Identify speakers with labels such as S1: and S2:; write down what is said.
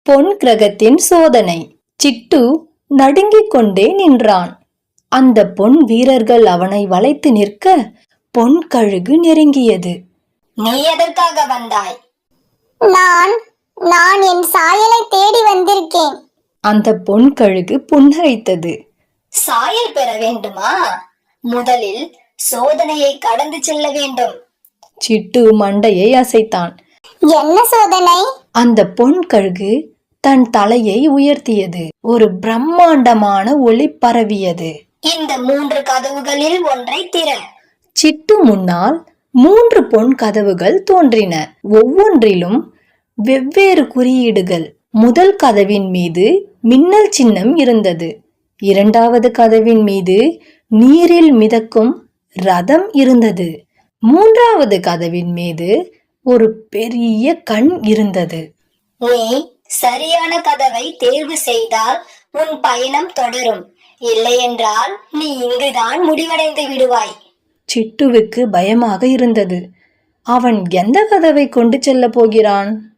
S1: பொன் கிரகத்தின் சோதனை. சிட்டு நடுங்கிக் கொண்டே நின்றான். அந்த பொன் வீரர்கள் அவனை வளைத்து நிற்க பொன் கழுகு நெருங்கியது.
S2: நீ எதற்காக வந்தாய்?
S3: நான் என் சாயலை தேடி வந்திருக்கேன்.
S1: அந்த பொன் கழுகு புன்னகைத்தது.
S2: சாயல் பெற வேண்டுமா? முதலில் சோதனையை கடந்து செல்ல வேண்டும்.
S1: சிட்டு மண்டையை அசைத்தான்.
S3: என்ன சோதனை?
S1: அந்த பொன் கழுகு தன் தலையை உயர்த்தியது. ஒரு பிரம்மாண்டமான ஒளி பரவியது.
S2: இந்த 3 கதவுகளில் ஒன்றை திற.
S1: சிட்டு முன்னால் 3 பொன் கதவுகள் தோன்றின. ஒவ்வொன்றிலும் வெவ்வேறு குறியீடுகள். முதல் கதவின் மீது மின்னல் சின்னம் இருந்தது. இரண்டாவது கதவின் மீது நீரில் மிதக்கும் ரதம் இருந்தது. மூன்றாவது கதவின் மீது ஒரு பெரிய கண் இருந்தது.
S2: நீ சரியான கதவை தேர்வு செய்தால் உன் பயணம் தொடரும். இல்லையென்றால் நீ இங்குதான் முடிவடைந்து விடுவாய்.
S1: சிட்டுவுக்கு பயமாக இருந்தது. அவன் எந்த கதவை கொண்டு செல்ல போகிறான்?